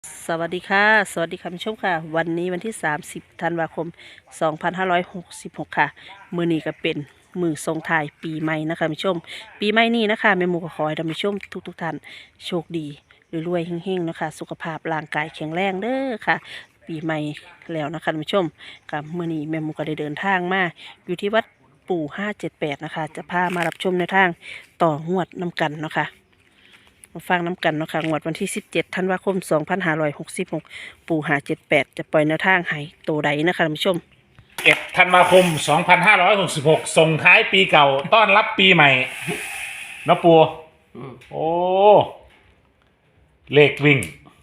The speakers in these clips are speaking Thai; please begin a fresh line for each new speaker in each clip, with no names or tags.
สวัสดีค่ะสวัสดีคุณผู้ชมค่ะวันนี้วันที่30ธันวาคม2566ค่ะมื้อนี้ก็เป็นมื้อส่งท้ายปีใหม่นะคะคุณผู้ชมปีใหม่นี้นะคะแม่หมูก็ขอให้ท่านผู้ชมทุกท่านโชคดีรวยๆเฮงๆนะคะสุขภาพร่างกายแข็งแรงเด้อค่ะปีใหม่แล้วนะคะท่านผู้ชมกับมื้อนี้แม่หมูก็ได้เดินทางมาอยู่ที่วัดปู่578นะคะจะพามารับชมในทางต่องวดน้ำกันเนาะค่ะ มาฟังน้ำกันเนาะค่ะงวดวันที่17ธันวาคม2566ปู่578จะปล่อยแนวทางให้โตใดนะคะท่านผู้ชม
1 ธันวาคม 2566ส่งท้ายปีเก่าต้อนรับปีใหม่นะปูโอ้เลขวิ่ง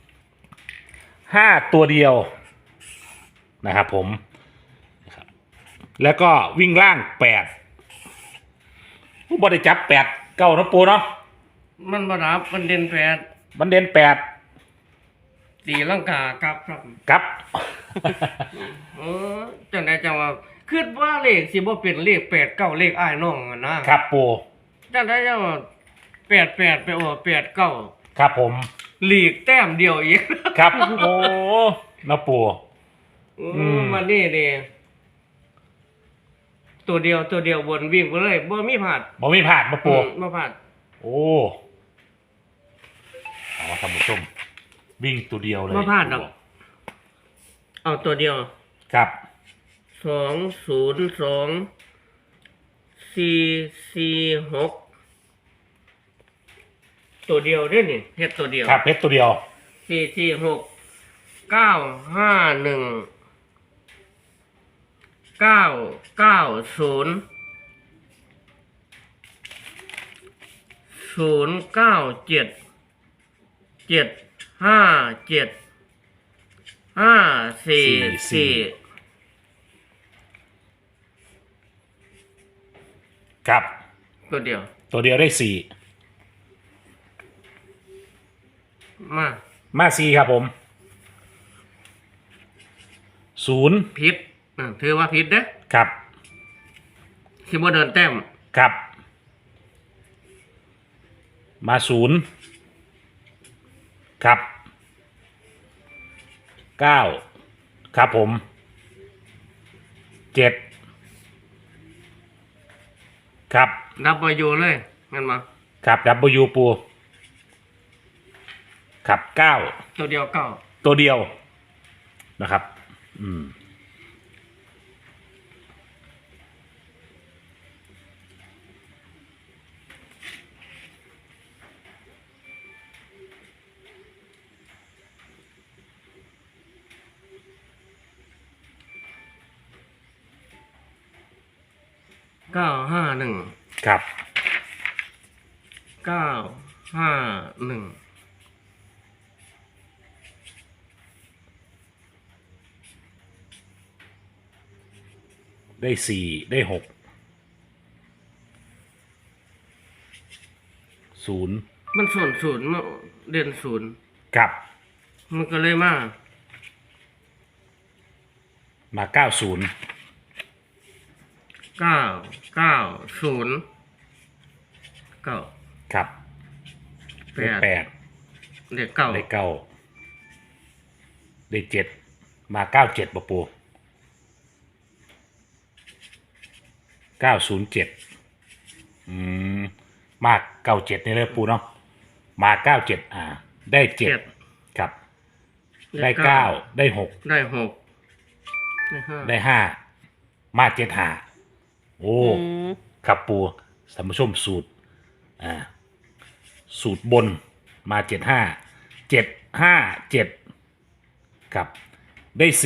5ตัวเดียวนะครับผมนะครับแล้วก็วิ่งล่าง8ผู้บริจับ8เก้านะปูเนาะ
มันบรับมันเด่นแปด
มันเด่น
ตีลังกาครับครับ
กับ
เออจังไดจังว่าคิดว่าเลขสิบ่เป็นเลข8 9เลขอ้ายน้องอะนะครับ
ปู
จังไดจังว่า88ไปโอ้89
ครับผม
หลีกแต้มเดียวอีก
ครับโอ้นะปู
มันนี่ตัวเดียววนวิ่งไปเลยบ่มีพลาด
บ่มีผ่านนะปู
บ่พลาด
โอ้เอาท่านผู้ชมวิ่งตัวเดียวเลย
บ่พลาดดอกเอาตัวเดียว
ครับ
202 446ตัวเดียวเด้อนี่เฮ็ดตัวเดียว
ครับเพชรตัวเดียว
446 950 997 544
ครับ
ตัวเดียว
ตัวเดียวได้สี่
มา
มาสี่ครับผม0
ผิดถือว่าผิดเด้อ
ครับ
สิบ่เดินแต้ม
ครับ มา0ครับ9ครับผม7ครับ
นับมาอยู่เลยงั้นมา
ครับ W ปูครับ9
ตัวเดียวเก้า
ตัวเดียวนะครับ
951
ครับ
951
ได้4ได้6 0
มันศูนย์มันเด่นศูนย์
ครับ
มันก็เลยมา
มา 90
990 9
ครับได้
8
8
เด็กเก้า
ได้9ได้7มา97ปะปู907มา97นี่เลยปูเนาะมา97ได้7ครับได้9ได้6
ได้6ได้5
ได้5มา75โอ้ครับปูท่านผู้ชมสูตรสูตรบนมา75 757ครับได้4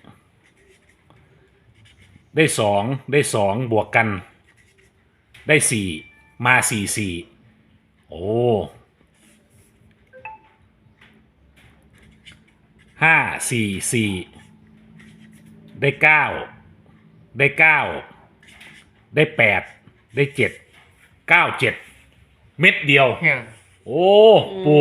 ได้2ได้2บวกกันได้4มา44โอ้544ได้9ได้9ได้8ได้7 97เม็ดเดียว
เนี่ย
โอ้ปู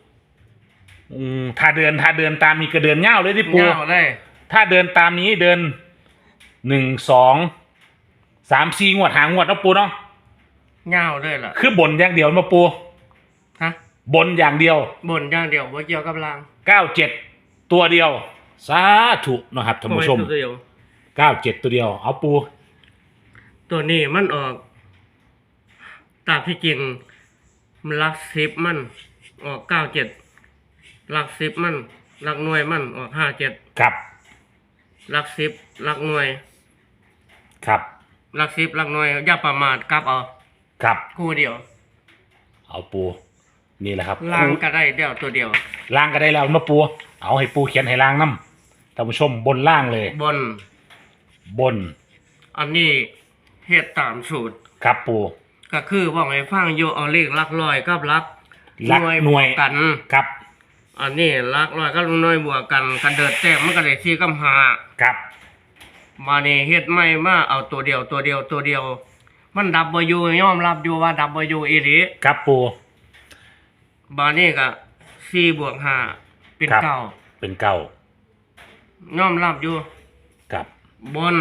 ถ้าเดินตามนี้ก็เดินเง่าเลยที่ปู
เงาเลย
ถ้าเดินตามนี้เดิน1 2 3 4งวดหางวดนะปูเนาะ
เงาเลยล่ะ
คือบนอย่างเดียวมาปู
ฮะ
บนอย่างเดียว
บนอย่างเดียวบ่เกี่ยวกับล่าง
97ตัวเดียวสาธุนะครับท่านผู้ชม
ตัวเดียว
97ตัวเดียวเอาปู
ตัวนี้มันออกตามที่จริงมันลักสิบมันออก97ลักสิบมันลักหน่วยมันออก57
ครับ
ลักสิบลักหน่วย
ครับ
ลักสิบลักหน่วยอย่าประมาทกลับเอา
ครับ
คู่เดียว
เอาปูนี่แหละครับ
ล่างก็ได้เดียวตัวเดียว
ล่างก็ได้แล้วเนาะปูเอาให้ปูเขียนให้ล่างน้ำท่านผู้ชมบนล่างเลย
บน
บน
อันนี้เฮ็ดตามสูตร
ครับปู
ก็คือว่าให้ฟังอยู่เอาเลขหลักร้อยกับหลัก
หลักหน่วย
บวกกัน
ครับ
อันนี้หลักร้อยกับหน่วยบวกกันกันเดิดแต้มมันก็ได้4กับ5
ครับ
มานี่เฮ็ดไม่มาเอาตัวเดียวตัวเดียวตัวเดียว มันดับบ่อยู่ยอมรับอยู่ว่าดับบ่อยู่อีหลี
ครับปู
บานี่ก็4บวก5เป็น
ครับ
เก้า
เป็นเก้าย
อมรับอยู่
ครับ
บน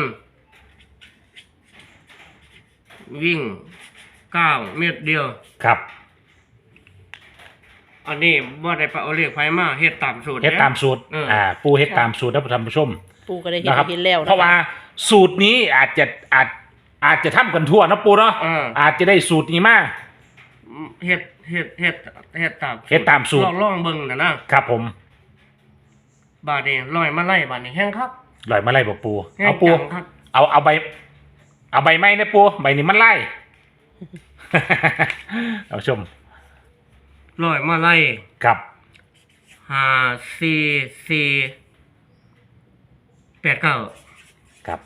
วิ่ง9เม็ดเดียว
ครับ
อันนี้บ่ได้ไปเอาเลขไผมาเฮ็ดตามสูตร
เฮ็ดตามสูตร
เออ
ปูเฮ็ดตามสูตรนะท่านผู้ชม
ปูก็ได้เห็น
นะครับ
เห็นแล้วนค
เพราะว่าสูตรนี้อาจจะทำกันทั่วนะปูเนาะ อาจจะได้สูตรนี้มา
เฮ็ดตาม
เฮ็ดตามสูตร
ลองเบิ่งนะครับ
ผม
บาดนี้ลอยมาไล่บาดนี้แห้งครับ
ลอยมาไล่บ่ปู
แห้ง
เอาปู
จังครับ
เอาใบไม้นะปูใบนี้มันไล่ เอาชม
ลอยมาไล่
ครับ
5 4 4 8 9
ครับ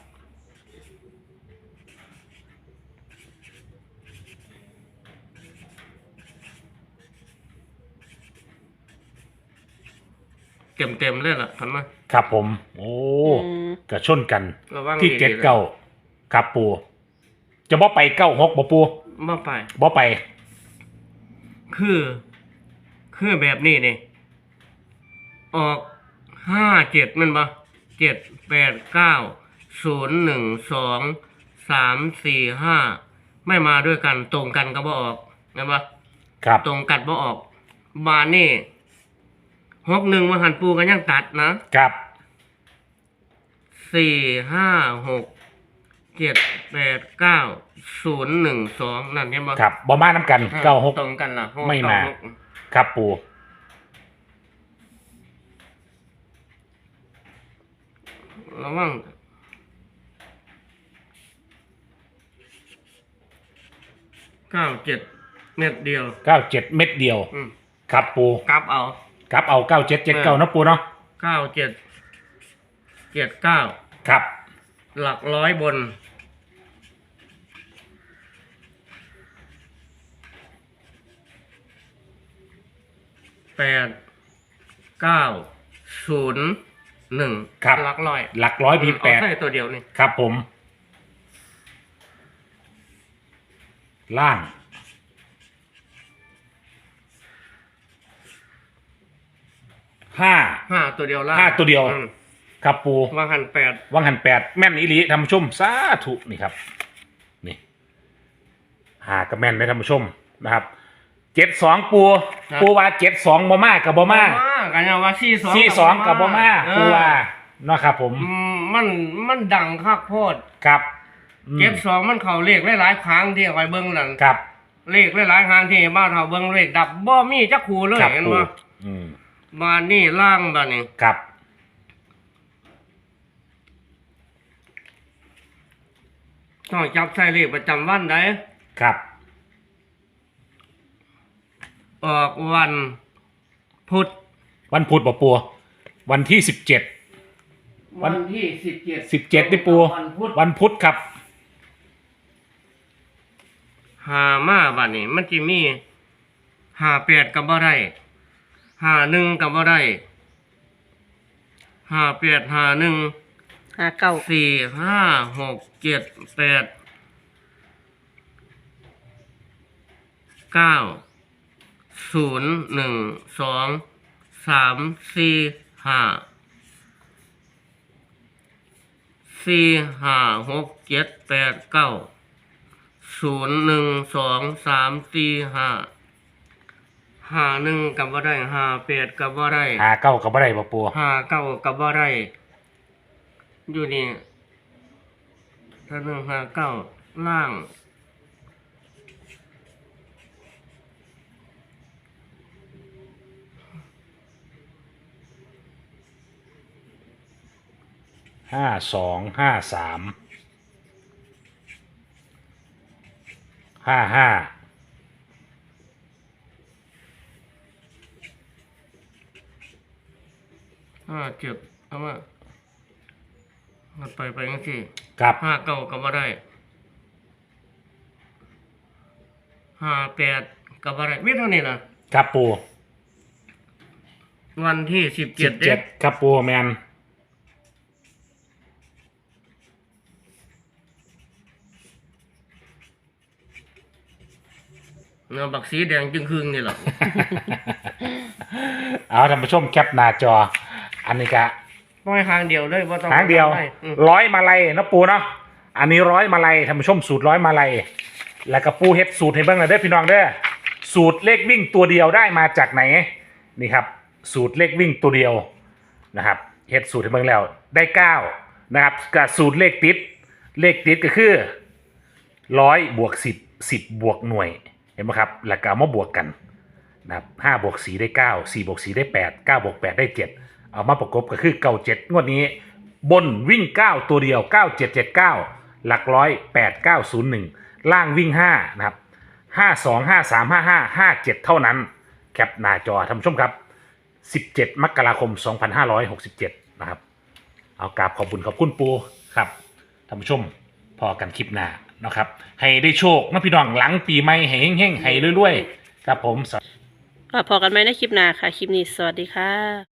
เต็มเลยล่ะทำไม
ครับผม โอ้
อืม
กระชนกัน
ระวัง
ที่
ดีๆ
เจ็ดเก้าครับปู จะบ่ไปเก้าหกบ่ปู
มาไป
บ่ไป
คือแบบนี้นี่ ออก57มันบ่7 8 9 0 1 2 3 4 5ไม่มาด้วยกันตรงกันก็บ่ออกเห็นบ่
ครับ
ตรงกันบ่ออกบานนี่61มาหันปูกันยังตัดนะครับ4 5 6 7 8 9 0 1 2นั่นเห็นบ่
ครับบ่มาน้ำกันเก้าหก
ตรงกันล่ะ
ไม่มา
96
ครับปู
ระวัง97เม็ดเดียว
เก้าเจ็ดเม็ดเดียว
อืม
ครับปู
กลับเอา
ครับเอาเก้าเจ็ดเจ็ดเก้านะปูเนาะ
97 79
ครับ
หลักร้อยบน8 9 0 1
ครับ
หลักร้อย
หลักร้อยมีแปด
เอาใส่ตัวเดียวนี่
ครับผม ล่าง 5
ตัวเดียวล่ะ
5ตัวเดียว ครับปู
วางหัน8
วังหัน8แม่นอีหลีท่านผู้ชมสาธุนี่ครับ นี่หากับแม่นเลยท่านผู้ชมนะครับ72ปูว่า72บ่มากับบ่มา
กันยังว่า
42กับบ่มาปูว่าเนาะครับผม
มันดังคักโพด
ครับอืม
72มันเข้าเลขหลายๆครั้งที่เอาไปเบิ่งนั่น
ครับ
เลขหลายๆครั้งที่บ้านเฮาเบิ่งเลขดับบ่มีจักคู่เลย
ครับ
เห็น
ปู
บ่
อืม
บ้านนี้ล่างบ้านนี้
ครับ
ต้องจับใส่เลขประจำวันได้
ครับ
ออกวันพุธ
วันพุธบ่ปูวันที่17
วันที่17
นี่ปู
วันพุธ
วันพุธครับ
หามาบัดนี้มันสิมี58ก็บ่ได้51ก็บ่ได้58 51
59
4 5 6 7 8 9 0 1 2 3 4 5 4 5 6 7 8 9 0 1 2 3 4 5 51กับบ่ได้58กับบ่ได้
หาเก้ากับบ่ได้บ่ปู
59กับบ่ได้อยู่นี่ถ้า159ล่าง
52 53 55
57เอามามันไปจังซี่
กับ
59กับบ่ได้58กับบ่ได้มีเท่านี้ล่ะ
กับปู
วันที่17เด้
17กับปูแมน
เนื้อบักสีแดงจึงครึ่งนี่ล่ะ
เอาท่านผู้ชมแคปหน้าจอ อันนี้ก็
น้อยหางเดียวเลยบ่ต้อง
หางเดียว
ไปอืม
100มาลัยนะปูเนาะอันนี้100มาลัยท่านผู้ชมสูตร100มาลัยแล้วก็ปูเฮ็ดสูตรให้เบิ่งหน่อยเด้อพี่น้องเด้อสูตรเลขวิ่งตัวเดียวได้มาจากไหนนี่ครับสูตรเลขวิ่งตัวเดียวนะครับเฮ็ดสูตรให้เบิ่งแล้วได้9นะครับกับสูตรเลขติดก็คือ100 บวก 10 10 บวกหน่วยเห็นไหมครับแล้วก็เอามาบวกกันนะครับ5 บวก 4 ได้ 9 4 บวก 4 ได้ 8 9 บวก 8 ได้ 7 เอามาประกบก็คือเก้า7งวดนี้บนวิ่ง 9 ตัวเดียว 9779 หลักร้อย 8901 ล่างวิ่ง 5 นะครับ 52 53 55 57 เท่านั้น แคปหน้าจอท่านผู้ชมครับ 17 มกราคม 2567 นะครับ เอากราบขอบคุณปูครับท่านผู้ชมพอกันคลิปหน้านะครับ ให้ได้โชคนะพี่น้องหลังปีใหม่ให้เฮงๆให้รวยๆครับผม
ก็พอกันไหมในคลิปหน้าค่ะ คลิปนี้สวัสดีค่ะ